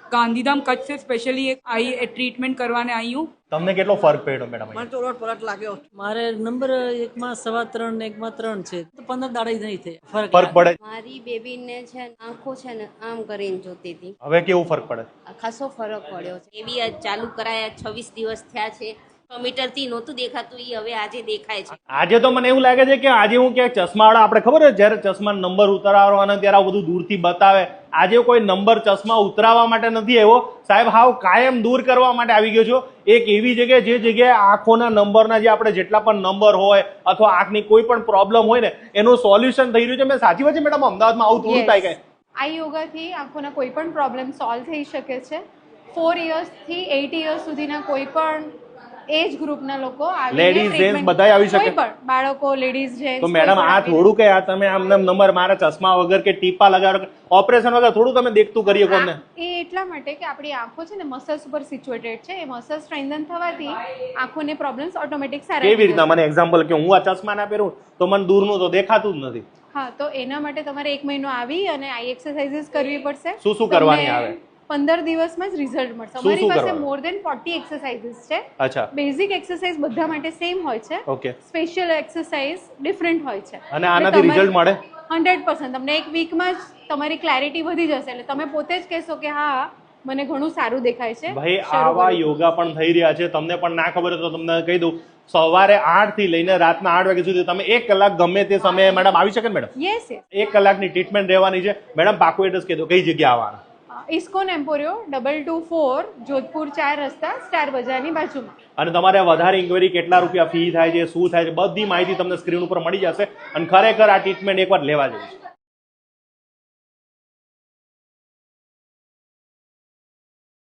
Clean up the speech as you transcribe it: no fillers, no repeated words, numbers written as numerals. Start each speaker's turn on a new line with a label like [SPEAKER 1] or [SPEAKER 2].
[SPEAKER 1] गांधीधाम कच्छ से specially I treatment करवाने आई हूँ।
[SPEAKER 2] તમને કેટલો ફરક પડ્યો મેડમ?
[SPEAKER 3] મને તો રોડ પલટ લાગ્યો.
[SPEAKER 4] મારે નંબર 1 માં 3.25 ને 1 માં 3 છે, તો 15 દાડા નહીં થાય
[SPEAKER 2] ફરક પડે?
[SPEAKER 5] મારી બેબીને છે ને આંખો છે ને આમ કરીને જોતી હતી,
[SPEAKER 2] હવે કેવું ફરક પડે?
[SPEAKER 5] ખાસો ફરક પડ્યો છે. એ બી આજ ચાલુ કરાયા 26 દિવસ થયા છે. 6 મીટરથી નહોતું દેખાતું, એ હવે આજે દેખાય છે.
[SPEAKER 2] આજે તો મને એવું લાગે છે કે આજે હું ક્યાંક ચશ્માવાળા, આપણે ખબર છે જ્યારે ચશ્મા નંબર ઉતરાવવાનો ત્યારે આ બધું દૂરથી બતાવે, આજે કોઈ નંબર ચશ્મા ઉતરાવવા માટે નથી આવ્યો સાહેબ, હાવ કાયમ દૂર કરવા માટે આવી ગયો છો. એક એવી જગ્યાએ જે જગ્યાએ આંખોના નંબરના જે આપણે જેટલા પણ નંબર હોય અથવા આંખની કોઈ પણ પ્રોબ્લેમ હોય ને એનું સોલ્યુશન થઈ રહ્યું છે. મેં સાચી વાત છે મેડમ, અમદાવાદમાં આવું થોડું થાય કે
[SPEAKER 6] આ યોગાથી આંખોના કોઈ પણ પ્રોબ્લેમ સોલ્વ થઈ શકે છે. 4 ઇયર્સથી 8 ઇયર્સ સુધીના કોઈ પણ એજ ગ્રુપના લોકો
[SPEAKER 2] લેડીઝ જેન્ટ્સ બધાય આવી શકે,
[SPEAKER 6] કોઈ પણ બાળકો, લેડીઝ જેન્ટ્સ.
[SPEAKER 2] તો મેડમ આ થોડું કે આ તમે આમ નંબર મારા ચશ્મા વગર કે ટીપા લગાડો ઓપરેશન વગર થોડું તમે દેખતું કરીએ કોને?
[SPEAKER 6] એ એટલા માટે કે આપણી આંખો છે ને મસલ્સ ઉપર સિચ્યુએટેડ છે. એ મસલ્સ સ્ટ્રેન્થન થવાથી આંખોને પ્રોબ્લેમ્સ ઓટોમેટિક સારા.
[SPEAKER 2] કેવી રીતના? મને એક્ઝામ્પલ કે હું આ ચશ્મા ના પહેરું તો મને દૂરનું તો દેખાતું જ નથી.
[SPEAKER 6] હા, તો એના માટે તમારે 1 મહિનો આવી અને આઈ એક્સરસાઇઝીસ કરવી પડશે.
[SPEAKER 2] શું શું કરવાની આવે?
[SPEAKER 6] 15 દિવસમાં જ રિઝલ્ટ મળશે. અમારી પાસે મોર દેન 40 એક્સરસાઇઝીસ છે.
[SPEAKER 2] અચ્છા.
[SPEAKER 6] બેઝિક એક્સરસાઇઝ બધા માટે સેમ હોય છે.
[SPEAKER 2] ઓકે.
[SPEAKER 6] સ્પેશિયલ એક્સરસાઇઝ ડિફરન્ટ હોય છે.
[SPEAKER 2] અને આનાથી રિઝલ્ટ મળે
[SPEAKER 6] 100%. તમને 1 વીકમાં જ તમારી ક્લેરિટી વધી જશે. એટલે તમે પોતે જ કહેશો કે હા મને ઘણું સારું દેખાય છે.
[SPEAKER 2] ભાઈ આવા યોગા પણ થઈ રહ્યા છે. તમને પણ ના ખબર હોય તો તમને કહી દઉં, સવારે 8 થી લઈને રાતના 8 વાગ્યા સુધી તમે 1 કલાક ગમે તે સમયે મેડમ આવી શકે ને મેડમ?
[SPEAKER 6] યસ.
[SPEAKER 2] 1 કલાકની ટ્રીટમેન્ટ રહેવાની છે મેડમ. પાકું એડ્રેસ કહી દો, કઈ જગ્યા આવવાના?
[SPEAKER 6] ઇસ્કોન એમ્પોરિયો 224 જોધપુર 4 રસ્તા સ્ટાર બજારની બાજુમાં.
[SPEAKER 2] અને તમારે વધારે ઇન્ક્વાયરી કેટલા રૂપિયા ફી થાય છે, શું થાય છે, બધી માહિતી તમને સ્ક્રીન ઉપર મળી જશે. અને ખરેખર આ ટ્રીટમેન્ટ એકવાર લેવા જેવી છે.